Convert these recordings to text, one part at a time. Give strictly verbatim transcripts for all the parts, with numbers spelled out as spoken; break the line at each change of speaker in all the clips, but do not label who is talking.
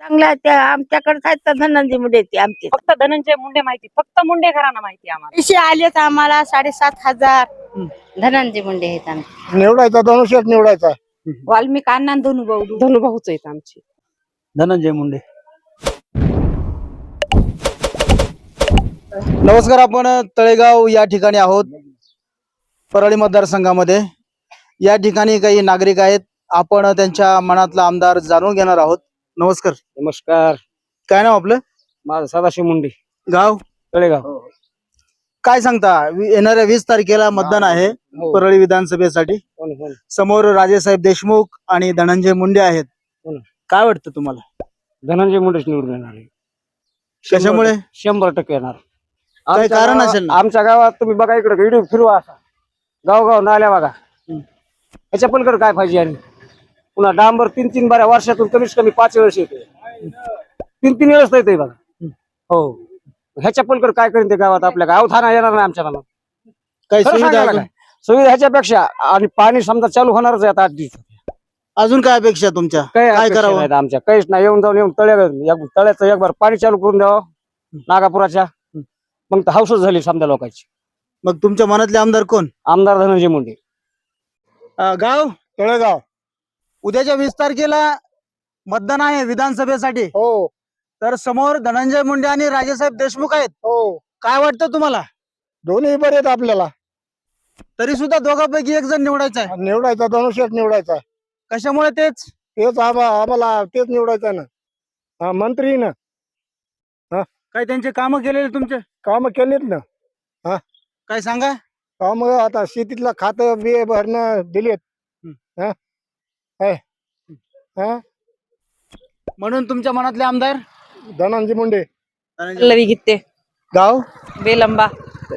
चांगल्या आहेत त्या आमच्याकडे आहेत तर धनंजय मुंडे ते आमचे
फक्त धनंजय मुंडे माहिती, फक्त मुंडे घराणा माहिती आम्हाला.
पैसे आलेत आम्हाला साडेसात हजार धनंजय मुंडे आहेत आमचे.
निवडायचा धनुष्यच निवडायचा.
वाल्मिक अण्णा धनुभाऊ
धनुभाऊच आहेत आमचे.
धनंजय मुंडे. नमस्कार, आपण तळेगाव या ठिकाणी आहोत, परळी मतदारसंघामध्ये. या ठिकाणी काही नागरिक आहेत, आपण त्यांच्या मनातला आमदार जाणून घेणार आहोत. नमस्कार.
नमस्कार.
काय नाव आपलं?
माझं सदाशिव मुंडे,
गाव
तळेगाव.
काय सांगता, वि- येणाऱ्या वीस तारखेला मतदान आहे परळी विधानसभेसाठी.
हो ना, हो ना.
समोर राजेसाहेब देशमुख आणि धनंजय मुंडे आहेत.
हो ना.
काय वाटतं तुम्हाला,
धनंजय मुंडेच निवडून येणार आहे.
कशामुळे?
शंभर टक्के येणार.
काही
आमच्या
कारण
गावात-
असेल ना?
आमच्या गावात तुम्ही बघा, इकडे व्हिडिओ फिरवा असा, गाव गाव नाल्या बघा. ह्याच्या पलीकडे काय पाहिजे? आणि पुन्हा डांबर तीन तीन बाऱ्या वर्षातून कमीत कमी पाच वेळेस येते, तीन तीन वेळेस येते बघा. हो, ह्याच्या पलीकडे काय करेन ते गावात आपल्या गावात थाना येणार नाही आमच्या गावात.
काही
खरं
सुविधा
सांगायला
अजून?
काय? सुविधा ह्याच्यापेक्षा, आणि पाणी समजा चालू होणारच आहे आता आठ दिवसात.
अजून काय अपेक्षा तुमच्या?
काय
काय
अपेक्षा
करावं?
नाहीत आमच्या, काहीच नाही. येऊन जाऊन येऊन तळ्या एक- तळ्याचं एक बार पाणी चालू करून द्यावं नागापुराच्या, मग तर हाऊसच झाली समजा लोकांची.
मग तुमच्या मनातले आमदार कोण?
आमदार धनंजय मुंडे.
अं, गाव
तळेगाव.
उद्याच्या वीस तारखेला मतदान आहे विधानसभेसाठी.
हो
तर समोर धनंजय मुंडे आणि राजेसाहेब देशमुख आहेत.
हो,
काय वाटतं तुम्हाला?
दोन्ही बरे आहेत आपल्याला.
तरी सुद्धा दोघांपैकी एक जण निवडायचा आहे.
निवडायचा धनुष्यच निवडायचा.
कशामुळे? तेच
तेच आम्हा- आम्हाला तेच निवडायचं ना. हा, मंत्री ना,
काय त्यांचे काम केलेले तुमचे?
काम केलीत ना.
काय सांगा.
काम आता शेतीतला खात बिये भरणं दिलेत. हा है. हा,
म्हणून तुमच्या मनातले आमदार
धनंजय मुंडे.
धनंजय.
पल्लवी गीते,
गाव
बेलंबा.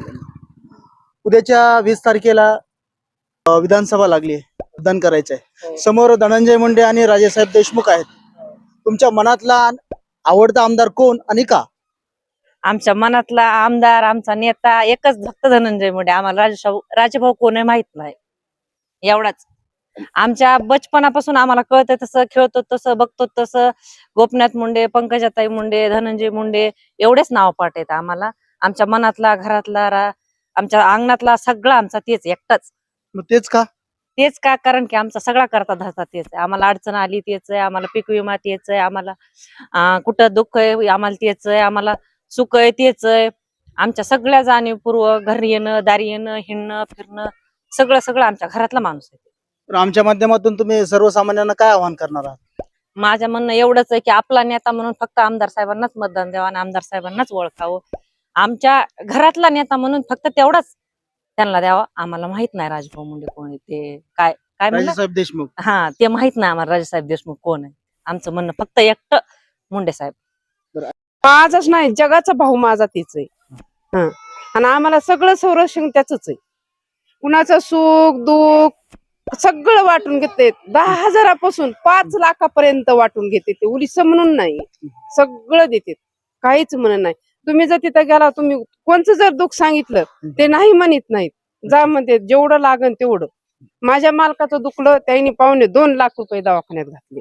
उद्याच्या वीस तारखेला अं, विधानसभा लागली आहे, मतदान करायचं आहे. समोर धनंजय मुंडे आणि राजेसाहेब देशमुख आहेत. तुमच्या मनातला आवडता आमदार कोण आणि का?
आमच्या मनातला आमदार, आमचा नेता एकच, फक्त धनंजय मुंडे. आम्हाला राजेशाहू राजेभाऊ कोण आहे माहित नाही, एवढाच. आमच्या बचपनापासून आम्हाला कळतं तसं, खेळतो तसं, बघतो तसं. गोपनाथ मुंडे, पंकजाताई मुंडे, धनंजय मुंडे एवढेच नाव पाठ आहेत आम्हाला. आमच्या मनातला, घरातला, रा- आमच्या अंगणातला सगळा आमचा तेच एकटाच.
मग तेच का?
तेच का? कारण की आमचा सगळा करता धरता तेच आहे. आम्हाला अडचण आली तेच आहे, आम्हाला पीक विमा तेच आहे, आम्हाला अं, कुठं दुःख आहे आम्हाला तेच आहे, आम्हाला सुख आहे तेच आहे. आमच्या सगळ्या जाणीवपूर्वक घरी येणं, दारी येणं, हिंडणं, फिरणं, सगळं सगळं आमच्या घरातला माणूस आहे.
तर आमच्या माध्यमातून तुम्ही सर्वसामान्यांना काय आवाहन करणार आहात?
माझ्या म्हणणं एवढंच आहे की आपला नेता म्हणून फक्त आमदार साहेबांनाच मतदान द्यावं आणि आमदार साहेबांनाच ओळखावं. आमच्या घरातला नेता म्हणून फक्त तेवढाच त्यांना द्यावा. आम्हाला माहित नाही राजभाऊ मुंडे कोण आहे, ते काय काय म्हणलं,
राजेसाहेब देशमुख.
हा ते माहित नाही आम्हाला राजेसाहेब देशमुख कोण आहे. आमचं म्हणणं फक्त एकटं मुंडे साहेब.
माझाच नाही, जगाचा भाऊ माझा तीच आहे. हा, आणि आम्हाला सगळं संरक्षण त्याच आहे. कुणाचं सुख दुःख सगळं वाटून घेते. दहा हजारापासून पाच लाखापर्यंत वाटून घेते. ते उलिस म्हणून नाही, सगळं देते, काहीच म्हणत नाही. तुम्ही जर तिथं गेला, तुम्ही कोणचं जर दुःख सांगितलं ते नाही म्हणत नाहीत. जा म्हणते जेवढं लागन तेवढं. माझ्या मालकाचं दुखलं, त्यांनी पावणे दोन लाख रुपये दवाखान्यात घातले.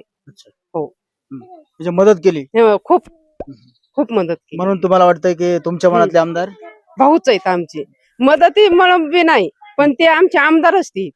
म्हणजे मदत केली.
हे खूप खूप मदत केली.
म्हणून तुम्हाला वाटतंय की तुमच्या मनातले आमदार
भाऊच आहेत आमचे. मदती म्हणून बी नाही, पण ते आमचे आमदार असतील.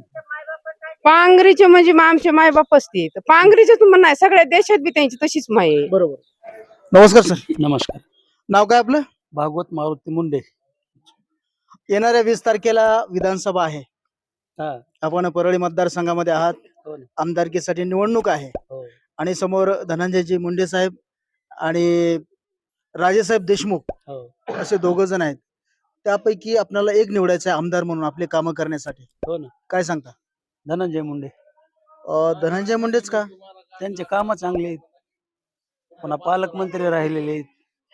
पांगरीचे म्हणजे आमचे मायबाप असतील. पांगरीचे तुम्हाला नाही, सगळ्या देशात बी त्यांची तशीच माय आहे.
बरोबर. नमस्कार सर.
नमस्कार.
नाव काय आपलं?
भागवत मारुती मुंडे.
येणाऱ्या वीस तारखेला विधानसभा आहे.
हा.
आपण परळी मतदारसंघामध्ये आहात.
हो ना.
आमदारकीसाठी निवडणूक आहे
हो.
आणि समोर धनंजयजी मुंडे साहेब आणि राजेसाहेब देशमुख
हो.
असे दोघ जण आहेत. त्यापैकी आपल्याला एक निवडायचं आहे आमदार म्हणून आपले कामं करण्यासाठी.
हो ना.
काय सांगता?
धनंजय मुंडे.
अं, धनंजय मुंडेच का?
त्यांचे काम चांगले आहेत, पुन्हा पालकमंत्री राहिलेले आहेत.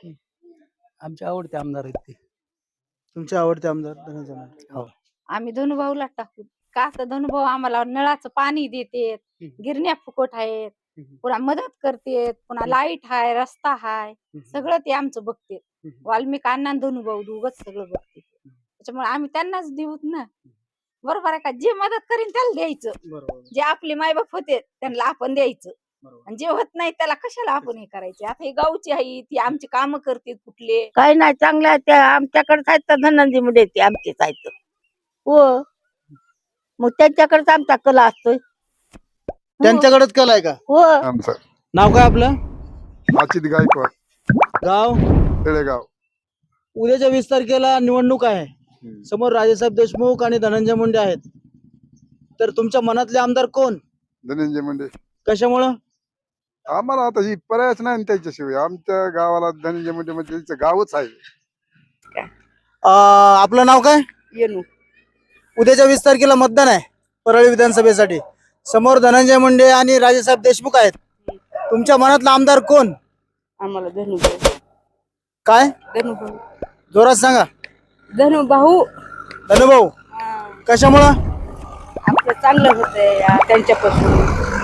आमचे आवडते आमदार आहेत ते.
तुमचे आवडते आमदार धनंजय मुंडे.
हो.
आम्ही धनुभाऊला टाकू का तर धनुभाऊ आम्हाला नळाचं पाणी देतेत, गिरण्या फुकट आहेत, पुन्हा मदत करतेत, पुन्हा लाईट हाय, रस्ता हाय, सगळं ते आमचं बघतेत. वाल्मिक अण्णा धनुभाऊ दोघच सगळं बघते. त्याच्यामुळे आम्ही त्यांनाच देऊत ना. बरोबर आहे का? जे मदत करीन त्याला द्यायचं.
बरोबर.
जे आपले मायबाप होते त्यांना आपण द्यायचं. आणि जे होत नाही त्याला कशाला आपण हे करायचे. आता हे गावची आहे ती आमची कामं करते कुठले.
काय नाही चांगलं आहे त्या आमच्याकडेच आहेत तर धनंजय मुंडे ते आमचेच आहेत हो मग त्यांच्याकडेच आमचा कला असतोय
त्यांच्याकडेच कल आहे का?
हो
आमचं
नाव काय आपलं?
अचित गायकवाड
गाव?
तळेगाव.
उद्याच्या वीस तारखेला निवडणूक आहे. समोर राजेसाहेब देशमुख आणि धनंजय मुंडे आहेत. तर तुमच्या मनातले आमदार कोण?
धनंजय मुंडे.
कशामुळं?
आम्हाला आता ही पर्यायच नाही ना त्याच्याशिवाय. आमच्या गावाला धनंजय मुंडे म्हणजे त्याचं गावच आहे.
अं, आपलं नाव काय?
येणू
उद्याच्या वीस तारखेला मतदान आहे परळी विधानसभेसाठी. समोर धनंजय मुंडे आणि राजेसाहेब देशमुख आहेत. तुमच्या मनातला आमदार कोण?
आम्हाला धनुभाऊ
काय?
धनुभाऊ
जोरात सांगा.
धनुभाऊ
धनुभाऊ. कशामुळं?
आपलं चांगलं होतंय त्यांच्यापासून.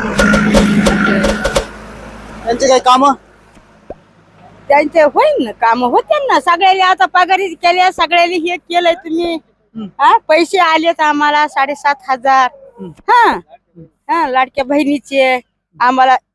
त्यांचे काही काम?
त्यांचे होईल ना काम होते ना सगळ्याला. आता पगारी केल्या सगळ्याला हे केलंय तुम्ही. हा पैसे आलेत आम्हाला साडेसात हजार. हा हा लाडक्या बहिणीचे आम्हाला